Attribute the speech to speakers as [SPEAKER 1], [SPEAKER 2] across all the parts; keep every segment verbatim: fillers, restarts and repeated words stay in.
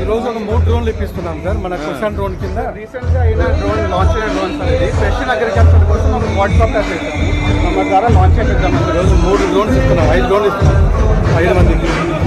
[SPEAKER 1] రోజు ఒక మూడు డ్రోన్లు ఇప్పిస్తున్నాం సార్ మన కుషన్ డ్రోన్ కింద. రీసెంట్ గా అయిన డ్రోన్ లాంచ్ అయిన డ్రోన్స్ అనేది స్పెషల్ అగ్రికల్చర్ కోసం ఒక వాట్సాప్ యాప్ ఇస్తాము. మన ద్వారా లాంచ్ చేద్దాం. ఈ రోజు మూడు డ్రోన్స్ ఇస్తున్నాం, ఐదు డ్రోన్లు ఇస్తున్నాం ఐదు మందికి.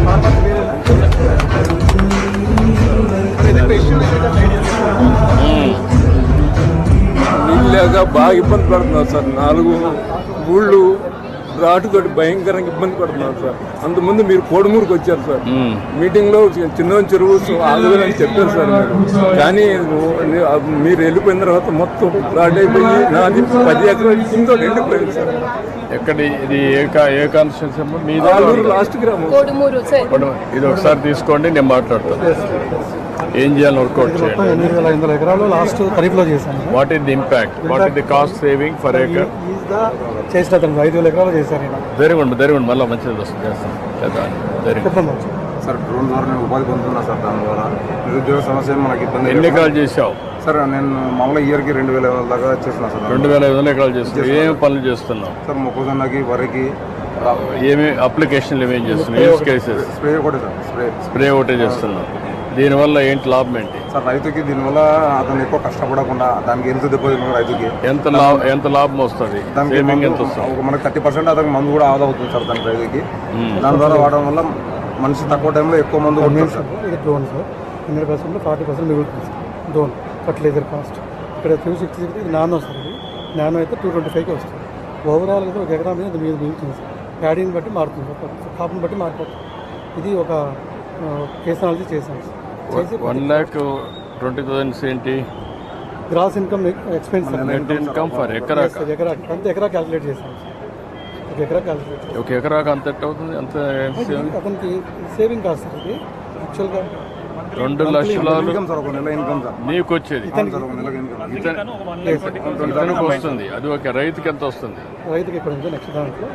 [SPEAKER 2] నీళ్ళు లేక బాగా ఇబ్బంది పడుతున్నారు సార్. నాలుగు ఊళ్ళు రాటుతోటి భయంకరంగా ఇబ్బంది పడుతున్నారు సార్. అంతకుముందు మీరు కోడుమూరుకు వచ్చారు సార్, మీటింగ్ లో చిన్న చెరువు ఆగుదని చెప్పారు సార్ మీరు. కానీ మీరు వెళ్ళిపోయిన తర్వాత మొత్తం ఫ్లాట్ అయిపోయి నాది పది ఎకరాలు కింద వెళ్ళిపోయింది సార్.
[SPEAKER 3] ఎక్కడి ఇది ఏ ఏ కాన్స్టిట్యూన్సీ మీ
[SPEAKER 2] లాస్ట్ గ్రామం
[SPEAKER 3] ఇది ఒకసారి తీసుకోండి, నేను మాట్లాడతాను. ఏం చేయాలని వర్కౌట్ చేయండి.
[SPEAKER 1] ఎనిమిది వేల ఐదు వందల ఎకరాలు లాస్ట్ ఖరీఫ్ లో చేశాను.
[SPEAKER 3] What is the impact, what is the cost saving for acre?
[SPEAKER 1] చేసిన ఐదు వేల ఎకరాలు చేశాను.
[SPEAKER 3] వెరీ గుడ్ వెరీ గుడ్ మళ్ళీ మంచిది వస్తుంది చేస్తాను. Very good
[SPEAKER 4] sir. డ్రోన్ ద్వారా నేను ఉపాధి పొందుతున్నా సార్. దాని ద్వారా నిరుద్యోగ సమస్య మనకి ఇబ్బంది.
[SPEAKER 3] ఎన్ని ఎకరాలు చేసావు
[SPEAKER 4] సార్? నేను మామూలుగా ఇయర్కి రెండు వేల దాకా చేస్తున్నా సార్.
[SPEAKER 3] రెండు వేల ఐదు వందల ఎకరాలు చేస్తున్నావు. ఏం పనులు చేస్తున్నావు
[SPEAKER 4] సార్? మొక్కజొన్నకి, వరికి,
[SPEAKER 3] ఏమి అప్లికేషన్లు ఏమేమి చేస్తున్నావు? యూస్ కేసెస్
[SPEAKER 4] స్ప్రే ఒకటే సార్. స్ప్రే
[SPEAKER 3] స్ప్రే ఒకటే చేస్తున్నావు. దీనివల్ల ఏంటి లాభం ఏంటి
[SPEAKER 4] సార్? రైతుకి దీనివల్ల అతను ఎక్కువ కష్టపడకుండా దానికి ఎంత దెబ్బతిన్న రైతుకి
[SPEAKER 3] ఎంత లాభం ఎంత లాభం వస్తుంది? సేవింగ్ ఎంత వస్తుంది?
[SPEAKER 4] మనకి థర్టీ పర్సెంట్ అతనికి మందు కూడా ఆదా అవుతుంది సార్ దాని రైతుకి. దాని ద్వారా వాడడం వల్ల మనిషి తక్కువ టైంలో ఎక్కువ మందు కొడుతుంది సార్.
[SPEAKER 1] ఇది drone sir. Hundred percent forty percent మిగులుతుంది సార్ డ్రోన్ ఫర్టిలైజర్ కాస్ట్. ఇక్కడ త్రీ సిక్స్టీ సిక్స్ ఇది నానో సార్. ఇది నానో అయితే టూ ట్వంటీ ఫైవ్కి వస్తుంది. ఓవరాల్ అయితే ఒక ఎకరా మీద మీద మిగులుతుంది సార్. ప్యాడీని బట్టి మారుతుంది సార్, కాపుని బట్టి మారిపోతుంది. ఇది ఒక కేసనాలజీ చేశాను sir.
[SPEAKER 3] One lakh twenty thousands ఏంటి
[SPEAKER 1] gross income expense
[SPEAKER 3] net income for ఎకరా?
[SPEAKER 1] ఎకరా అంత ఎకరా క్యాలిక్యులేట్ చేశాను సార్. ఒక ఎకరా క్యాలిక్యులేట్
[SPEAKER 3] ఒక ఎకరాకు అంత ఎట్ అవుతుంది? అంత
[SPEAKER 1] అతనికి సేవింగ్ కాదు సార్. ఇది యాక్చువల్గా
[SPEAKER 3] రెండు లక్షల
[SPEAKER 4] ఇన్కమ్ సార్. ఒక నెల ఇన్కమ్ సార్
[SPEAKER 3] నీకు వచ్చేది
[SPEAKER 4] సార్. ఒక నెల ఇన్కమ్
[SPEAKER 3] ఇతనికి వస్తుంది. అది ఒక రైతుకి ఎంత వస్తుంది?
[SPEAKER 1] రైతుకి ఇక్కడ ఉంది నెక్స్ట్ దాంట్లో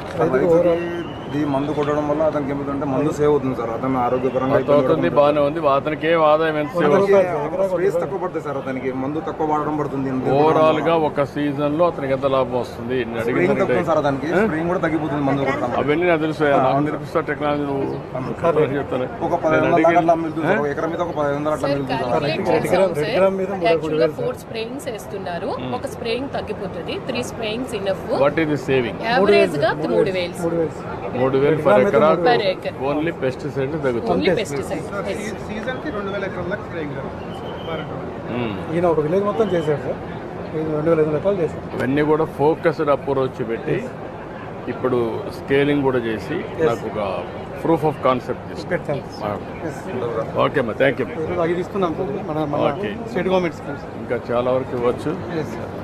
[SPEAKER 4] ఈ మందు కొట్టడం వల్ల అతనికి ఏమిటంటే మందు సేవ్ అవుతుంది సార్. అతను ఆరోగ్యపరంగా
[SPEAKER 3] అవుతుంది, బాగానే ఉంది. అతనికి ఏం ఆదాయం ఎంత సేవ్
[SPEAKER 4] స్పేస్ తక్కువ పడుతుంది సార్. అతనికి మందు తక్కువ వాడడం పడుతుంది.
[SPEAKER 3] ఓవరాల్ గా ఒక సీజన్ లో అతనికి ఎంత లాభం వస్తుంది?
[SPEAKER 4] సార్ అతనికి స్ప్రేయింగ్ కూడా తగ్గిపోతుంది మందు కొట్టడం.
[SPEAKER 3] అవన్నీ నాకు తెలుసు. నేర్పిస్తా టెక్నాలజీ నువ్వు చెప్తాను.
[SPEAKER 4] ఒక పదిహేను వందల అట్లా మిగులుతుంది. ఒక ఎకరం మీద ఒక పదిహేను వందల అట్లా
[SPEAKER 5] మిగులుతుంది. ఫోర్ స్ప్రేయింగ్స్ వేస్తున్నారు. ఒక స్ప్రేయింగ్ తగ్గిపోతుంది. Three sprayings enough.
[SPEAKER 3] What is the saving?
[SPEAKER 5] Average గా మూడు వేలు
[SPEAKER 3] మూడు వేలు పర్ ఎకరా. ఓన్లీ పెస్టిసైడ్ తగ్గుతుంది.
[SPEAKER 1] సీజన్ కి రెండు వేల ఎకరాల స్ప్రేయింగ్ ఈయన ఒక విలేజ్ మొత్తం చేశారు సార్. రెండు వేల ఐదు వందల ఎకరాలు చేశారు.
[SPEAKER 3] ఇవన్నీ కూడా ఫోకస్డ్ అప్రోచ్ పెట్టి ఇప్పుడు స్కేలింగ్ కూడా చేసి నాకు ఒక ప్రూఫ్ ఆఫ్ కాన్సెప్ట్ తీసుకుంటాం. ఓకే అమ్మా, థ్యాంక్ యూ.
[SPEAKER 1] అది ఇస్తున్నాం సార్ మన స్టేట్ గవర్నమెంట్ స్కీమ్స్
[SPEAKER 3] ఇంకా చాలా వరకు ఇవ్వచ్చు.